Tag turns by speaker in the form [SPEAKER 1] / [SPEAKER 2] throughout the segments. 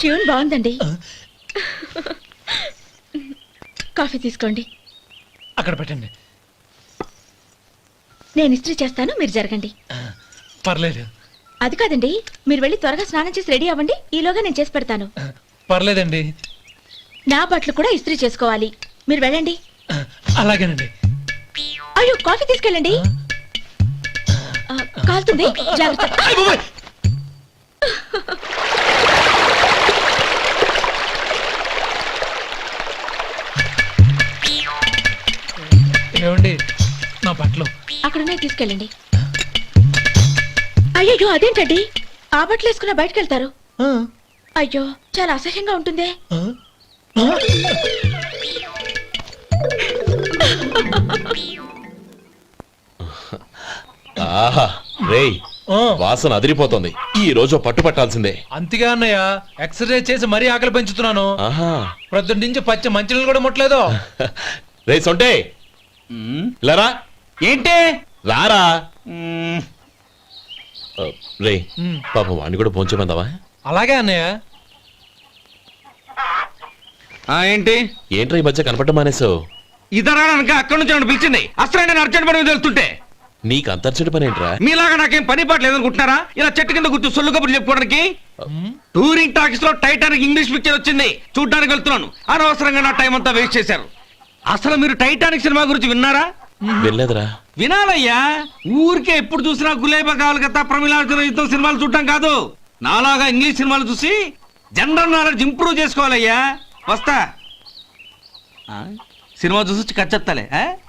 [SPEAKER 1] Tune బాగుందండి. Coffee తీసుకోండి.
[SPEAKER 2] అక్కడ పెట్టండి.
[SPEAKER 1] నేను ఇస్త్రీ చేస్తాను, మీరు జరగండి.
[SPEAKER 2] పర్లేదు.
[SPEAKER 1] అది కాదండి, మీరు వెళ్ళి త్వరగా స్నానం చేసి రెడీ అవ్వండి. ఈలోగా నేను చేసి పెడతాను.
[SPEAKER 2] పర్లేదండి.
[SPEAKER 1] నా బట్టలు కూడా ఇస్త్రీ చేసుకోవాలి. మీరు వెళ్ళండి.
[SPEAKER 2] అలాగేనండి.
[SPEAKER 1] అయ్యో, కాఫీ తీసుకెళ్ళండి. కాలుతుంది, జాగ్రత్త.
[SPEAKER 2] ఏమండి, నా బట్టలు
[SPEAKER 1] అక్కడున్నాయి, తీసుకెళ్ళండి. అయ్యో, అదేంటండి ఆ బట్టలు వేసుకున్న బయటకు వెళ్తారు? అయ్యో, చాలా అసహ్యంగా ఉంటుందే.
[SPEAKER 3] వాసన అదిరిపోతుంది. ఈ రోజు పట్టుపట్టాల్సిందే.
[SPEAKER 2] అంతగా అన్నయ్య, ఎక్సర్సైజ్ చేసి మరీ ఆకలి పెంచుతున్నాను. ప్రొద్దున నుంచి పచ్చ మంచినీళ్ళు కూడా ముట్టలేదు.
[SPEAKER 3] రే సొంటే, లరా.
[SPEAKER 4] ఏంటి?
[SPEAKER 3] రారా. రే పాపం వాడిని కూడా పోంచమందావా?
[SPEAKER 2] అలాగే అన్నయ్య.
[SPEAKER 4] ఏంటి
[SPEAKER 3] ఏంట్రా ఈ మధ్య కనపడడం మానేసావు?
[SPEAKER 4] ఇద్దరు అక్కడి నుంచి నన్ను పిలిచింది. అసలు నేను అర్జెంట్ పని తెలుస్తుంటే
[SPEAKER 3] నీకు అంతర్చడి పని ఏంట్రా?
[SPEAKER 4] మీలాగా నాకేం పని పాట లేదనుకుంటున్నారా? ఇలా చెట్టు కింద కూర్చో సొల్లు కబుర్లు చెప్పుకోవడానికి. టూరింగ్ టాకీస్ లో టైటానిక్ ఇంగ్లీష్ పిక్చర్ వచ్చింది, చూడ్డానికి వెళ్తున్నాను. అనవసరంగా నా టైం అంతా వేస్ట్ చేశారు. అసలు మీరు టైటానిక్ సినిమా గురించి విన్నారా?
[SPEAKER 3] వెళ్ళలేదురా.
[SPEAKER 4] వినాలయ్యా. ఊరికే ఎప్పుడు చూసినా గులేబా కావాలి కదా, ప్రమిళార్జున యుద్ధం సినిమాలు చూడటం కాదు. నాలాగా ఇంగ్లీష్ సినిమాలు చూసి జనరల్ నాలెడ్జ్ ఇంప్రూవ్ చేసుకోవాలయ్యా. వస్తా. సినిమా చూసి కచ్చెత్తాలే.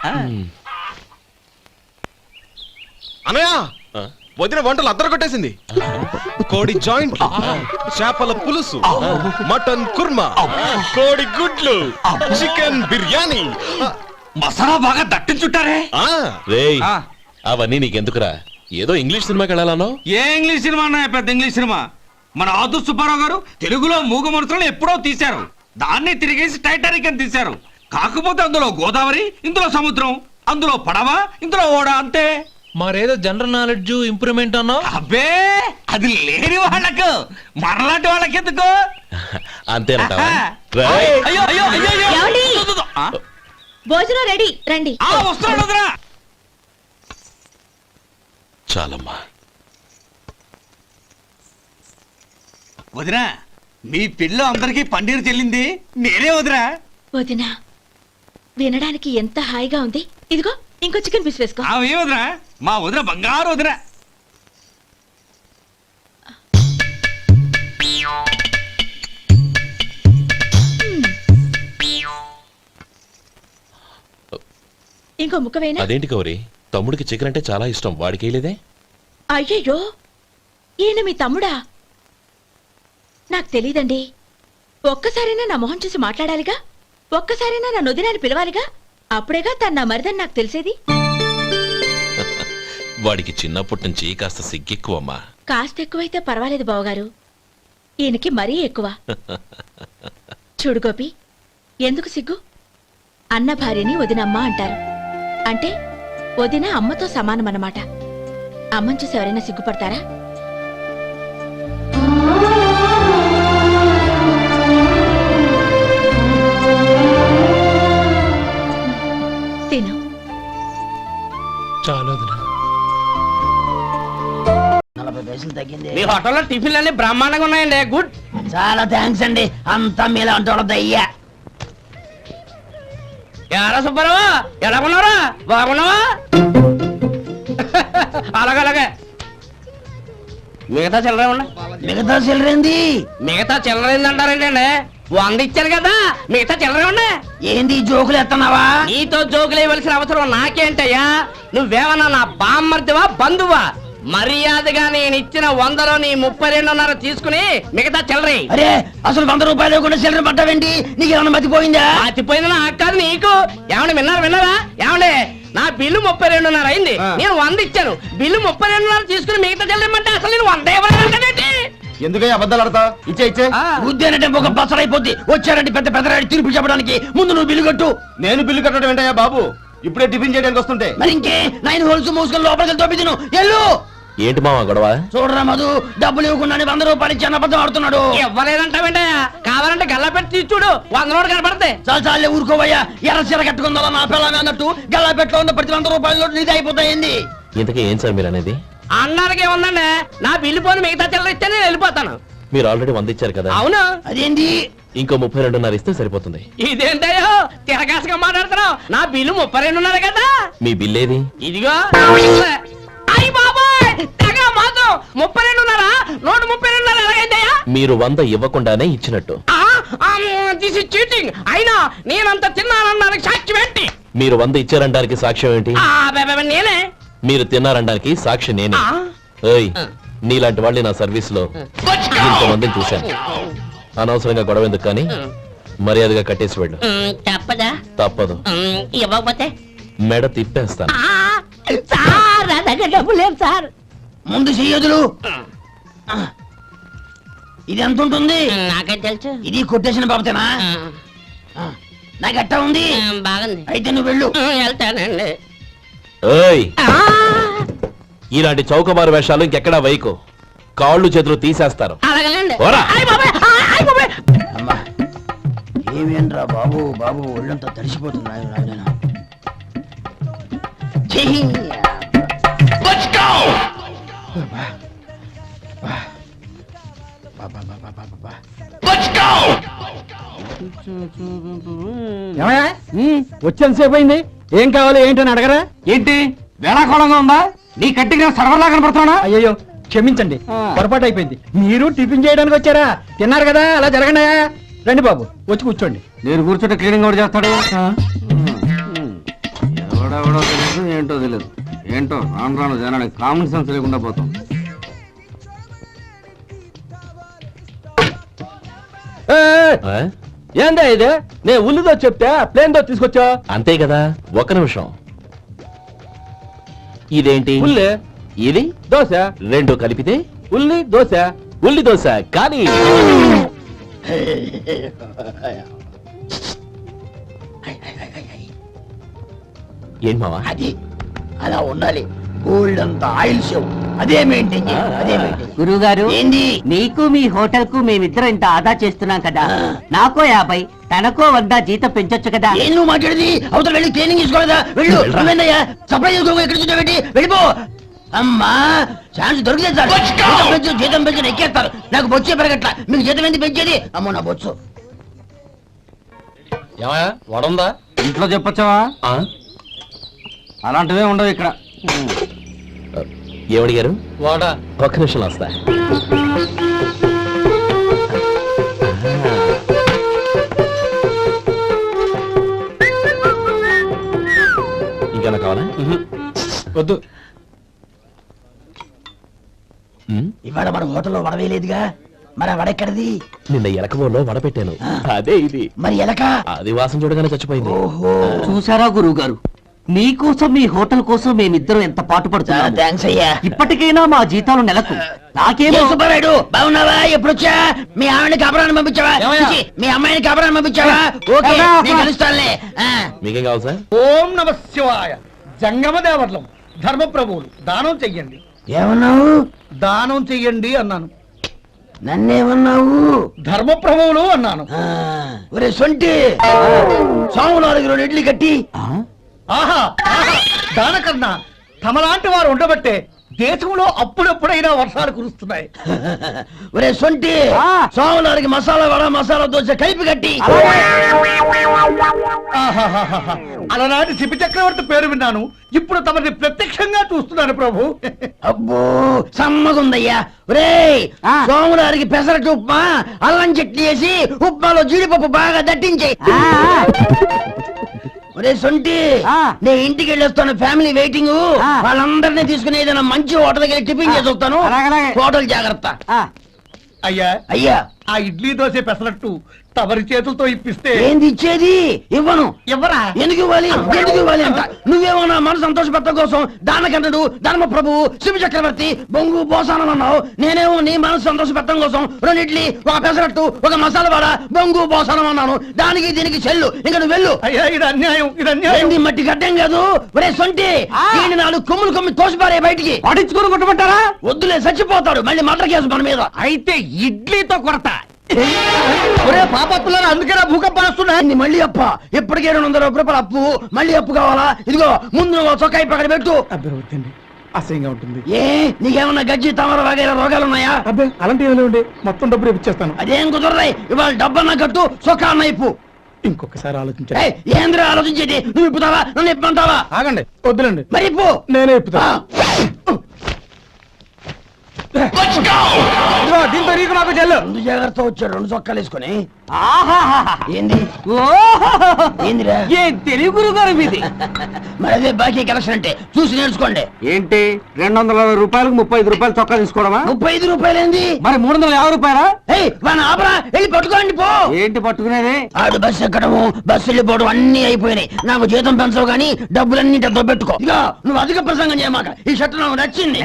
[SPEAKER 5] అనయా, వదిన వంటలు అద్దరు కొట్టేసింది. కోడి జాయింట్, చేపల పులుసు, మటన్ కుర్మా, కోడి గుడ్లు, చికెన్ బిర్యానీ,
[SPEAKER 4] మసాలా బాగా దట్టించుంటారే.
[SPEAKER 3] రేయ్, అవన్నీ నీకెందుకురా? ఏదో ఇంగ్లీష్ సినిమాకి వెళ్ళాలనో.
[SPEAKER 4] ఏ ఇంగ్లీష్ సినిమా అన్నాయా? పెద్ద ఇంగ్లీష్ సినిమా. మన ఆదు సుబ్బారావు గారు తెలుగులో మూగమరుతులను ఎప్పుడో తీశారు. దాన్ని తిరిగేసి టైటానిక్ అని తీశారు. కాకపోతే అందులో గోదావరి, ఇందులో సముద్రం, అందులో పడవ, ఇందులో ఓడ, అంతే.
[SPEAKER 2] మరేదో జనరల్ నాలెడ్జ్ ఇంప్రూవ్మెంట్ అన్నా?
[SPEAKER 4] అబ్బే, అది లేని వాళ్ళకు, మరలాంటి వాళ్ళకి ఎందుకు?
[SPEAKER 3] అంతేనంటావా?
[SPEAKER 4] అయ్యో అయ్యో అయ్యో అయ్యో.
[SPEAKER 1] ఏమండి? భోజనం రెడీ, రండి.
[SPEAKER 4] వస్తున్నాడు వదినా.
[SPEAKER 3] చాలమ్మా.
[SPEAKER 4] వదినా, మీ పిల్ల అందరికీ పన్నీరు చెల్లింది నేనే వదినా.
[SPEAKER 1] వదినా, వినడానికి ఎంత హాయిగా ఉంది. ఇదిగో ఇంకో చికెన్ పీస్ వేసుకో.
[SPEAKER 4] ఏ వదినా, మా వదిన బంగారు వదినా.
[SPEAKER 1] ఇంకో ముక్క వేయనా?
[SPEAKER 3] అదేంటి గౌరీ, తమ్ముడికి చికెన్ అంటే చాలా ఇష్టం, వాడికి వేయలేదే?
[SPEAKER 1] అయ్యయ్యో, ఈయన మీ తమ్ముడా? నాకు తెలీదండి. ఒక్కసారైనా నా మొహం చూసి మాట్లాడాలిగా, ఒక్కసారైనా నా నొదినాన్ని పిలవాలిగా, అప్పుడేగా తన నా మరిదని నాకు తెలిసేది.
[SPEAKER 3] వాడికి చిన్నప్పటి నుంచి కాస్త సిగ్గెక్కువమ్మా.
[SPEAKER 1] కాస్త ఎక్కువైతే పర్వాలేదు బావగారు, ఈయనకి మరీ ఎక్కువ. చూడు గోపి, ఎందుకు సిగ్గు? అన్న భార్యని వదినమ్మ అంటారు. అంటే వదిన అమ్మతో సమానమన్నమాట. అమ్మని చూసి ఎవరైనా సిగ్గుపడతారా? తిను.
[SPEAKER 2] చాలు వదినా.
[SPEAKER 6] 40 పైసలు తగ్గింది.
[SPEAKER 7] మీ హోటల్లో టిఫిన్లు అన్ని బ్రహ్మాండంగా ఉన్నాయండి. గుడ్.
[SPEAKER 6] చాలా థ్యాంక్స్ అండి. అంతా మీలా అంటోళ్ళదయ్యా.
[SPEAKER 7] ఎలా సుబ్బారావు, ఎలా ఉన్నారా? బాగున్నావా? అలాగే మిగతా చిల్లర ఉన్నా.
[SPEAKER 6] మిగతా చిల్లరేంది?
[SPEAKER 7] మిగతా చిల్లరేంది అంటారండి అండి. 100 ఇచ్చాను కదా, మిగతా చిల్లరే ఉన్నా.
[SPEAKER 6] ఏంది జోకులు ఎత్తన్నావా?
[SPEAKER 7] నీతో జోకులు వేయవలసిన అవసరం నాకేంటయ్యా? నువ్వేమన్నా నా బామ్మర్దివా, బంధువా? మర్యాదగా నేను ఇచ్చిన 100లో నీ 32.5 తీసుకుని మిగతా చిల్లరే.
[SPEAKER 6] అరే, అసలు 100 రూపాయలు కూడా చిల్లర పట్టావేంటి? నీకేమన్నా మతిపోయిందా?
[SPEAKER 7] మతిపోయింది నాకు కాదు, నీకు. ఏమండి విన్నారా? ఏమండి, నా బిల్లు 32.5 అయింది. నేను 100 ఇచ్చాను. బిల్లు 32.5 తీసుకుని మిగతా చెల్లిమంటే అసలు నేను 100 ఇవ్వలేదంటే
[SPEAKER 5] ఎందుకయ్యా అబద్ధాలు ఆడతా? ఇచ్చే
[SPEAKER 6] ఉద్యానంటే ఒక బసరైపోద్ది. వచ్చారంటే పెద్ద పెద్దరాడి తీర్పు చెప్పడానికి. ముందు నువ్వు బిల్లు కట్టు.
[SPEAKER 5] నేను బిల్లు కట్టడం ఏంటయ్యా బాబు? ఇప్పుడే టిఫిన్ చేయడానికి వస్తుంటే.
[SPEAKER 6] మరి ఇంకే 9 హోల్స్ మూసుకొని లోపలికి తోపి తిను. ఎల్లు.
[SPEAKER 3] ఏంటి మావా గొడవ?
[SPEAKER 6] చూడరా మధు, డబ్బులు ఇవ్వకుండా 100 రూపాయలు ఇచ్చి అబద్ధం ఆడుతున్నాడు.
[SPEAKER 7] ఇవ్వలేదంటావేంటయ్యా? కావాలంటే గల్లా పెట్టి తీసి చూడు, 100 నోటు కనపడతాయి.
[SPEAKER 6] చాలే ఊరుకోవయ్యా. ఎర్ర చీర కట్టుకుందా నా పిల్లమే అన్నట్టు గల్లా పెట్టులో ఉన్న ప్రతి 100 రూపాయల నోటు నీది అయిపోతాయింది.
[SPEAKER 3] ఇంతకీ ఏం సార్ మీరు అనేది?
[SPEAKER 7] అన్నానికి ఏముందండి, నా బిల్లు పోని మిగతా చిల్లర ఇస్తే నేను వెళ్ళిపోతాను.
[SPEAKER 3] మీరు ఆల్రెడీ 100 ఇచ్చారు కదా,
[SPEAKER 7] అవును.
[SPEAKER 6] అదేంటి?
[SPEAKER 3] ఇంకో 32.5 ఇస్తే సరిపోతుంది.
[SPEAKER 7] ఇదేంటయ్యో తిరగాసుగా మాట్లాడుతున్నావు? నా బిల్లు 32.5 కదా.
[SPEAKER 3] మీ బిల్ ఏది?
[SPEAKER 7] ఇదిగో. అయ్య బాబాయ్, తెగ మాత్రం 32.5 నోటు 32.5 ఎలాగైందయ్యా?
[SPEAKER 3] మీరు 100 ఇవ్వకుండానే ఇచ్చినట్టు.
[SPEAKER 7] This is cheating. అయినా నేనంత తిన్నానన్నానికి సాక్ష్యం ఏంటి?
[SPEAKER 3] మీరు 100 ఇచ్చారనడానికి సాక్ష్యం ఏంటి?
[SPEAKER 7] నేనే.
[SPEAKER 3] మీరు తిన్నారనడానికి సాక్షి నేనే.
[SPEAKER 7] ఆ?
[SPEAKER 3] ఏయ్, నీలాంటి వాళ్ళని నా సర్వీస్ లో ఇంతమందిని చూశాను. అనవసరంగా గొడవ ఎందుకు కానీ మర్యాదగా కట్టేసి వెళ్ళు.
[SPEAKER 7] తప్పదా?
[SPEAKER 3] తప్పదు.
[SPEAKER 7] ఇవ్వకపోతే
[SPEAKER 3] మెడ తిప్పేస్తాను.
[SPEAKER 7] సార్ నా దగ్గర డబ్బు లేదు సార్.
[SPEAKER 6] ముందు చెయ్యదులు. ఇది ఎంత ఉంటుంది?
[SPEAKER 7] నాకేం తెలుసు.
[SPEAKER 6] ఇది కొట్టేసిన బాబతేనా? నాకు అట్టా ఉంది.
[SPEAKER 7] బాగుంది.
[SPEAKER 6] అయితే నువ్వు వెళ్ళు.
[SPEAKER 7] వెళ్తానండి.
[SPEAKER 3] ఏయ్, ఇలాంటి చౌకబారు వేషాలు ఇంకెక్కడా వైకు. కాళ్ళు చేతులు తీసేస్తారు.
[SPEAKER 7] అలాగేనండి.
[SPEAKER 3] ఓరా.
[SPEAKER 6] అమ్మా ఏమేంట్రా బాబు, బాబు ఒళ్ళంతా తడిసిపోతుంది.
[SPEAKER 5] వచ్చేంతసేపు అయింది. ఏం కావాలి ఏంటని అడగరా?
[SPEAKER 4] ఏంటి వేళాకోళంగా ఉందా? నీ కట్టిగా సర్వర్లా కనపడుతున్నా?
[SPEAKER 5] అయ్యో క్షమించండి, పొరపాటు అయిపోయింది. మీరు టిఫిన్ చేయడానికి వచ్చారా? తిన్నారు కదా, అలా జరగండి. రండి బాబు, వచ్చి కూర్చోండి.
[SPEAKER 4] నేను కూర్చుంటే క్లీనింగ్ కూడా చేస్తాడు. ఎవడెవడో తెలియదు, ఏంటో తెలియదు. ఏంటో రాను రాను జనానికి కామన్ సెన్స్ లేకుండా పోతాం.
[SPEAKER 3] ఆ?
[SPEAKER 5] ఏందా ఇది? నేను ఉల్లిదో చెప్తే ప్లేన్ దో తీసుకొచ్చా.
[SPEAKER 3] అంతే కదా. ఒక నిమిషం. ఇదేంటి?
[SPEAKER 5] ఉల్లి
[SPEAKER 3] ఇది
[SPEAKER 5] దోశ,
[SPEAKER 3] 2 కలిపితే
[SPEAKER 5] ఉల్లి దోశ.
[SPEAKER 3] ఉల్లి దోశ. కానీ ఏంటి మావా?
[SPEAKER 6] అది అలా ఉండాలి. గోల్డ్ అంత ఆయిల్ షో అదే మెయింటైన్ చేయాలి. అదే మెయింటైన్.
[SPEAKER 7] గురువు గారు,
[SPEAKER 6] ఏంది?
[SPEAKER 7] నీకు మీ హోటల్ కు మేమిద్దరం ఇంత ఆదా చేస్తున్నాం కదా, నాకో 50 తనకో 100 జీతం పెంచొచ్చు కదా.
[SPEAKER 6] ఏం నువ్వు మాట్లాడేది? అవతల వెళ్ళి ట్రైనింగ్ తీసుకోలేదా? వెళ్ళు. నువ్వేందయ్యా సప్లై చేసుకో, ఎక్కడ చూసావు? వెళ్ళిపో. అమ్మా ఛాన్స్ దొరికితే సార్ జీతం పెంచు ఎక్కేస్తారు. నాకు బొచ్చే పెరగట్ల. మీకు జీతం ఎందుకు పెంచేది? అమ్మో నా బొచ్చు.
[SPEAKER 3] ఏమయ్యా, వడుందా?
[SPEAKER 4] ఇంట్లో చెప్పొచ్చావా?
[SPEAKER 3] ఆ?
[SPEAKER 4] అలాంటివే ఉండవు ఇక్కడ.
[SPEAKER 3] ఏమడిగారు?
[SPEAKER 5] వాడా
[SPEAKER 3] ఒక్క నిమిషం వస్తా. ఇంకేనా కావాలా?
[SPEAKER 5] వద్దు.
[SPEAKER 6] ఇవాళ మన హోటల్లో వడవేయలేదుగా, మరి ఆ వడెక్కడిది?
[SPEAKER 3] నిన్న ఎలకబోలో వడపెట్టాను. అదే ఇది.
[SPEAKER 6] మరి ఎలక?
[SPEAKER 3] అది వాసన చూడగానే చచ్చిపోయింది.
[SPEAKER 6] ఓహో,
[SPEAKER 7] చూసారా గురువు గారు, మీకోసం మీ హోటల్ కోసం మేమిద్దరం ఎంత పాటు పడుతున్నాం.
[SPEAKER 6] థ్యాంక్స్ అయ్యా.
[SPEAKER 7] ఇప్పటికైనా మా జీతాలు నెలకు నాకేమో.
[SPEAKER 6] సుబ్బారాయుడు బాగున్నావా? ఎప్పుడొచ్చా? మీ ఆవిడని కబరాన్ని పంపించావా? చిచి, మీ అమ్మాయిని కబరాన్ని పంపించావా? ఓకే, నేను కలుస్తానులే.
[SPEAKER 3] మీకేం కావాలి సార్?
[SPEAKER 5] ఓం నమ శివాయ. జంగమ దేవర్లం ధర్మప్రభువులు దానం చెయ్యండి.
[SPEAKER 6] ఏమన్నావు?
[SPEAKER 5] దానం చెయ్యండి అన్నాను.
[SPEAKER 6] నన్నేమన్నావు?
[SPEAKER 5] ధర్మప్రభువులు అన్నాను.
[SPEAKER 6] ఒరే సొంటి, సోమవారికి 2 ఇడ్లీ కట్టి.
[SPEAKER 5] ఆహా ఆహా, దానకన్నా తమలాంటి వారు ఉండబట్టే దేశంలో అప్పుడెప్పుడైనా వర్షాలు కురుస్తున్నాయి.
[SPEAKER 6] ఒరే సొంటి, సోమవారికి మసాలా వడ మసాలా దోశ కలిపి కట్టి.
[SPEAKER 5] ఆహాహాహా, అలనాటి శిపి చక్రవర్తి పేరు విన్నాను, ఇప్పుడు తమని ప్రత్యక్షంగా చూస్తున్నాను ప్రభు.
[SPEAKER 6] అబ్బో సమ్మగుందయ్యా. ఒరే సోమవారికి పెసరట్టు ఉప్మా, అల్లం చట్నీ వేసి ఉప్మాలో జీడిపప్పు బాగా దట్టించే. ఒరే సొంటి, నేను ఇంటికి వెళ్ళొస్తాను. Family waiting. వాళ్ళందరినీ తీసుకుని ఏదైనా మంచి హోటల్కి వెళ్ళి టిఫిన్ చేసి వస్తాను. హోటల్ జాగ్రత్త.
[SPEAKER 5] అయ్యా
[SPEAKER 6] అయ్యా,
[SPEAKER 5] ఆ ఇడ్లీ దోశ పెసరట్టు తమరి చేతులతో ఇప్పిస్తే
[SPEAKER 6] ఏంది ఇచ్చేది? ఇవ్వను.
[SPEAKER 5] ఎవరా
[SPEAKER 6] ఎందుకు ఇవ్వాలి? ఎందుకు ఇవ్వాలి అంట? నువ్వేమన్నా మనసు సంతోషపెట్టడం కోసం దానకంటుడు ధర్మ ప్రభువు శివ చక్రవర్తి బొంగు బోసానం అన్నావు. నేనేమో నీ మనసు సంతోషపెట్టడం కోసం 2 ఇడ్లీ, 1 పెసరట్టు, 1 మసాలా వడ, బొంగు బోసానం అన్నాను. దానికి దీనికి చెల్లు. ఇంకా నువ్వు వెళ్ళు.
[SPEAKER 5] అయ్యా ఇది అన్యాయం, ఇది అన్యాయం.
[SPEAKER 6] ఏంది మట్టి గడ్డం కాదు. ఒరే సొంటి, దీన్ని 4 కొమ్ములు కొమ్మి తోసిపారే బయటికి.
[SPEAKER 4] పడించుకొని కొట్టమంటారా?
[SPEAKER 6] వద్దులే, చచ్చిపోతాడు. మళ్ళీ మటర్ కేసు మన మీద.
[SPEAKER 4] అయితే ఇడ్లీతో కొడతా.
[SPEAKER 5] ఒరే పాపత్తులారా, అందుకేనా భూకంపాలు వస్తున్నాయి?
[SPEAKER 6] ఏంది మళ్ళీ అప్ప? ఇప్పటికే 200 రూపాయల అప్పు. మళ్ళీ అప్పు కావాలా? ఇదిగో ముందు నువ్వు చొక్కా పక్కన పెట్టు.
[SPEAKER 5] అబ్బే వద్దండి, అసహ్యంగా ఉంటుంది.
[SPEAKER 6] ఏ నీకేమన్నా గజ్జి తమర వగైరా రోగాలున్నాయా?
[SPEAKER 5] అబ్బే అలాంటి ఏమైనా ఉండే, మొత్తం డబ్బులు ఇప్పించేస్తాను.
[SPEAKER 6] అదేం కుదరదాయి. ఇవాళ డబ్బన్నా కట్టు, చొక్కా అన్న ఇప్పు.
[SPEAKER 5] ఇంకొకసారి ఆలోచించండి.
[SPEAKER 6] ఏయ్, ఏంద్రా ఆలోచించేది? నువ్వు ఇప్పుతావా? నన్ను ఇప్పమంటావా?
[SPEAKER 5] ఆగండి, వద్దులండి,
[SPEAKER 6] మరి ఇప్పు.
[SPEAKER 5] నేనే ఇప్పుతా. ఇదిగో, దీంతో నీకు నాకు చెల్లు.
[SPEAKER 6] ముందు జాగ్రత్త వచ్చాడు 2 చొక్కాలు వేసుకొని.
[SPEAKER 4] ఆహాహాహా.
[SPEAKER 6] ఏంది? ఏందిరా?
[SPEAKER 4] ఏ తెలుగు గారు మీది?
[SPEAKER 6] మరి అదే బాకీ కలెక్షన్ అంటే చూసి నేర్చుకోండి.
[SPEAKER 4] ఏంటి 260 రూపాయలకు 35 రూపాయలు చొక్కా తీసుకోవడమా?
[SPEAKER 6] 35 రూపాయలు ఏంది?
[SPEAKER 4] మరి 350 రూపాయలా?
[SPEAKER 6] ఏయ్ వాడిని ఆపరా, వెళ్ళి పట్టుకోండి పో.
[SPEAKER 4] ఏంటి పట్టుకునేది?
[SPEAKER 6] ఆడు బస్సు ఎక్కడము, బస్సు వెళ్ళిపోవడం అన్ని అయిపోయినాయి. నాకు జీతం పెంచవు గానీ డబ్బులన్నీ డబ్బు పెట్టుకో. ఇక నువ్వు అధిక ప్రసంగం చేయమాక. ఈ షర్ట్ నాకు నచ్చింది.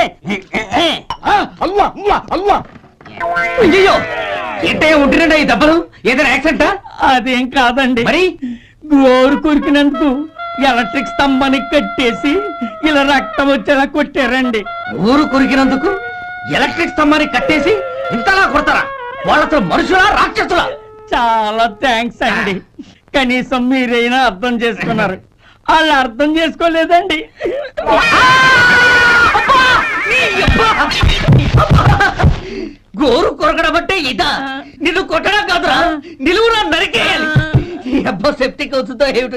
[SPEAKER 5] అల్వా అల్వా అల్వా.
[SPEAKER 4] అయ్యో ఏంటయ్యా ఉంటున్నాడా ఈ దెబ్బలు? ఏదైనా యాక్సిడెంటా?
[SPEAKER 7] అదేం కాదండి,
[SPEAKER 4] మరి
[SPEAKER 7] గోరు కొరికినందుకు ఎలక్ట్రిక్ స్తంభాన్ని కట్టేసి ఇలా రక్తం వచ్చేలా కొట్టారండి.
[SPEAKER 4] ఊరు కొరికినందుకు ఎలక్ట్రిక్ స్తంభాన్ని కట్టేసి ఇంతలా కొడతారా? వాళ్ళతో మనుషులా రాక్షసులా?
[SPEAKER 7] చాలా థ్యాంక్స్ అండి, కనీసం మీరైనా అర్థం చేసుకున్నారు. వాళ్ళు అర్థం చేసుకోలేదండి.
[SPEAKER 4] గోరు కొరకడం అంటే ఇదా? నిన్ను కొట్టడం కాదురా, నిలువురా నరికేయాలి. ఈ అబ్బా సెప్టిక్ అవుతుందో ఏమిటో.